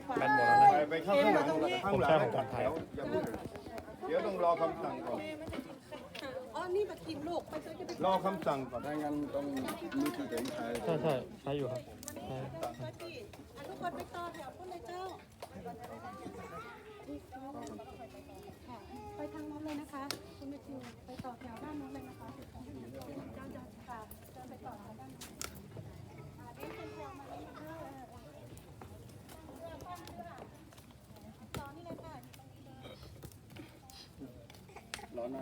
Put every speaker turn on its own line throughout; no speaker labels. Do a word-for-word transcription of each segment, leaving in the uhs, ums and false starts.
แบนหมดแล้วนะ
ไปไปเข้าข้างหลังข้างหลังให้จัดแถวอย่าพูดเดี๋ยวต้องรอคำสั่งก่อน
อ๋อนี่มากินลูกไปซื้อจะไป
รอคำสั่งก่อนถ้างั้นต้องมีที่เห็นใคร
ใช่ใช่ใช้อยู่ครับใช่
ทุกคนไปต่อแถวคนเลยเจ้าไปทางนู้นเลยนะคะคุณแมทธิวไปต่อแถวด้านนู้นเลยนะคะเจ้าจะค่ะจะไปต่อแถวด้านนู้นอ่าเดินเป็นแถวมาเลยนะคะต่อนี่เลยค่ะ
ร้อนมาก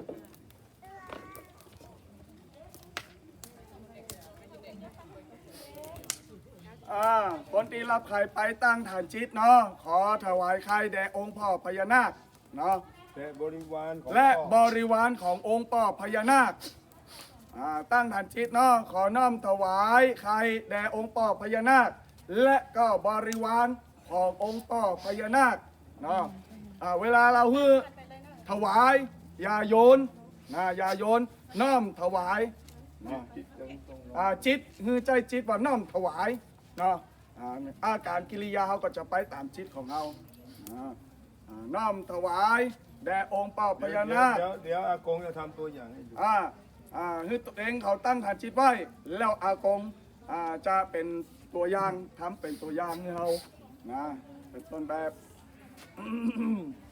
อ่าคนที่รับไข่ไปตั้งฐานจิตเนาะขอถวายไข่แด่องค์พ่อพญานาคเนาะ
และบริวารของ
และ
พ่อ
บริวารขององค์พ่อพญานาคอ่าตั้งฐานจิตเนาะขอน้อมถวายไข่แด่องค์พ่อพญานาค และก็บริวารขององค์พ่อพญานาคเนาะอ่าเวลาเราฮือถวายอย่าโยนนะอย่าโยนน้อมถวายเนาะอ่าจิตฮือใจจิตว่าน้อมถวายเนาะอ่าอาการกิริยาเขาก็จะไปตามจิตของเราอ่าอ่าน้อมถวายแด่องค์พ่อพญานาค
เดี๋ยวเดี๋ยวอากงจะทำตัวอย่างให้ดู
อ่า อ่าคือตัวเองเขาตั้งฐานจิตไว้ แล้วอากง อ่า จะเป็นตัวอย่างทำเป็นตัวอย่างให้เรานะ เป็นต้นแบบ